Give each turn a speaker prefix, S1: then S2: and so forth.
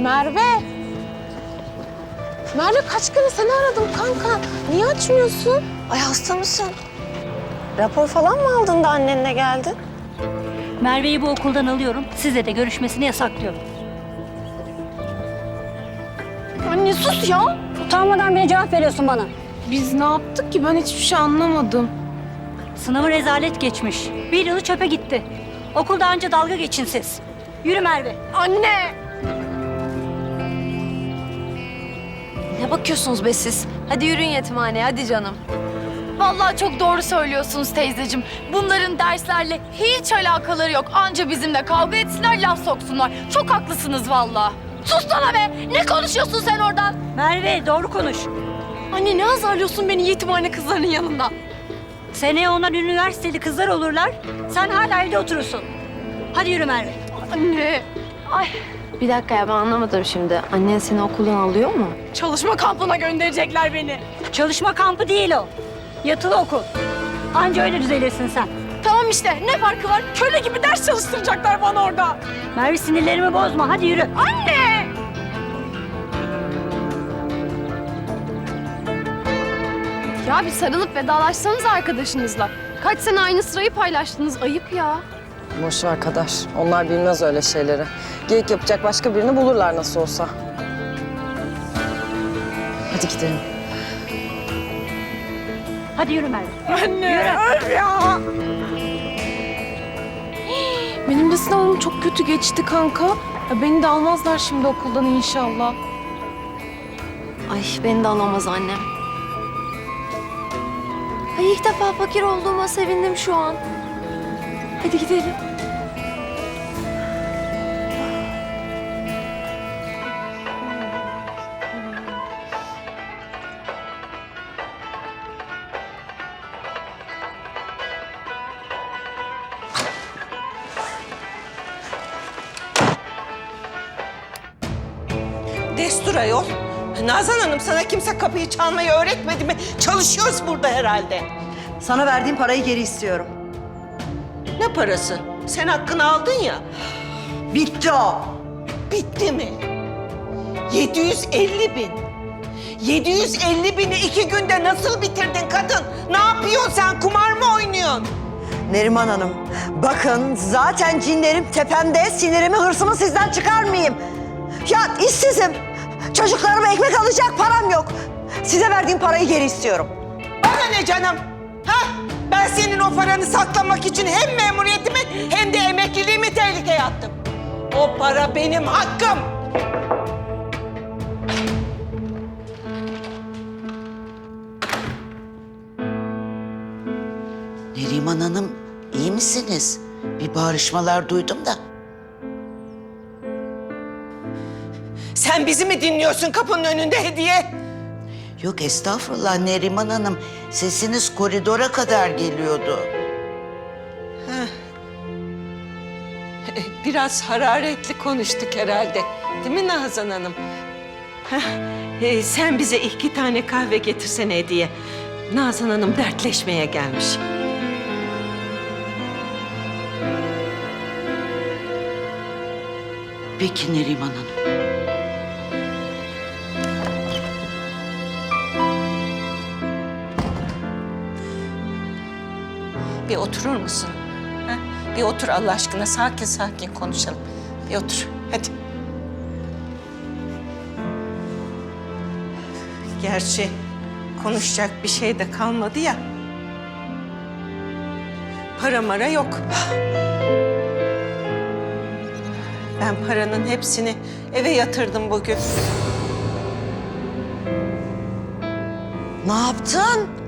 S1: Merve. Merve kaç kere seni aradım kanka. Niye açmıyorsun?
S2: Ay hasta mısın? Rapor falan mı aldın da annenle geldin?
S3: Merve'yi bu okuldan alıyorum. Size de görüşmesini yasaklıyorum.
S2: Anne sus ya.
S3: Utanmadan bile cevap veriyorsun bana.
S1: Biz ne yaptık ki? Ben hiçbir şey anlamadım.
S3: Sınavı rezalet geçmiş. Bir yılı çöpe gitti. Okulda anca dalga geçin siz. Yürü Merve.
S2: Anne! Ne bakıyorsunuz be siz? Hadi yürüyün yetimhaneye, hadi canım.
S4: Vallahi çok doğru söylüyorsunuz teyzeciğim. Bunların derslerle hiç alakaları yok. Anca bizimle kavga etsinler, laf soksunlar. Çok haklısınız vallahi. Sus sana be! Ne konuşuyorsun sen oradan?
S3: Merve doğru konuş.
S4: Anne ne azarlıyorsun beni yetimhane kızlarının yanında?
S3: Seneye onlar üniversiteli kızlar olurlar. Sen hala evde oturursun. Hadi yürü Merve.
S4: Anne! Ay,
S2: Bir dakika ya, ben anlamadım şimdi. Annen seni okuldan alıyor mu?
S4: çalışma kampına gönderecekler beni.
S3: Çalışma kampı değil o. Yatılı okul. Anca öyle düzelirsin sen.
S4: Tamam işte, ne farkı var? Köle gibi ders çalıştıracaklar bana orada.
S3: Merve sinirlerimi bozma. Hadi yürü.
S4: Anne! Ya bir sarılıp vedalaşsanız arkadaşınızla. Kaç sene aynı sırayı paylaştınız, ayıp ya.
S5: Boş ver Kader. Onlar bilmez öyle şeyleri. Geyik yapacak başka birini bulurlar nasıl olsa. Hadi gidelim.
S3: Hadi yürü Merve.
S1: Benim de sınavım çok kötü geçti kanka. Ya beni de almazlar şimdi okuldan inşallah.
S2: Ay beni de alamaz annem. Ay ilk defa fakir olduğuma sevindim şu an. Hadi gidelim.
S6: Destur ayol. Nazan Hanım, sana kimse kapıyı çalmayı öğretmedi mi? Çalışıyoruz burada herhalde.
S7: Sana verdiğim parayı geri istiyorum.
S6: Ne parası? Sen hakkını aldın ya.
S7: Bitti o.
S6: Bitti mi? 750 bin. 750 bini 2 günde nasıl bitirdin kadın? Ne yapıyorsun sen? Kumar mı oynuyorsun?
S7: Neriman Hanım, bakın zaten cinlerim tepemde, sinirimi, hırsımı sizden çıkarmayayım. Ya işsizim. Çocuklarıma ekmek alacak param yok. Size verdiğim parayı geri istiyorum.
S6: Bana ne canım? Ha? Ben senin o paranı saklamak için hem memuriyetimi hem de emekliliğimi tehlikeye attım. O para benim hakkım.
S8: Neriman Hanım, iyi misiniz? Bir bağırışmalar duydum da.
S6: Sen bizi mi dinliyorsun kapının önünde Hediye?
S8: Yok estağfurullah Neriman Hanım, sesiniz koridora kadar geliyordu.
S6: Biraz hararetli konuştuk herhalde. Değil mi Nazan Hanım? Sen bize 2 tane kahve getirsene Hediye. Nazan Hanım dertleşmeye gelmiş.
S8: Peki Neriman Hanım.
S6: Bir oturur musun? Ha? Bir otur Allah aşkına, sakin sakin konuşalım. Bir otur, hadi. Gerçi konuşacak bir şey de kalmadı ya. Para mara yok. Ben paranın hepsini eve yatırdım bugün.
S7: Ne yaptın?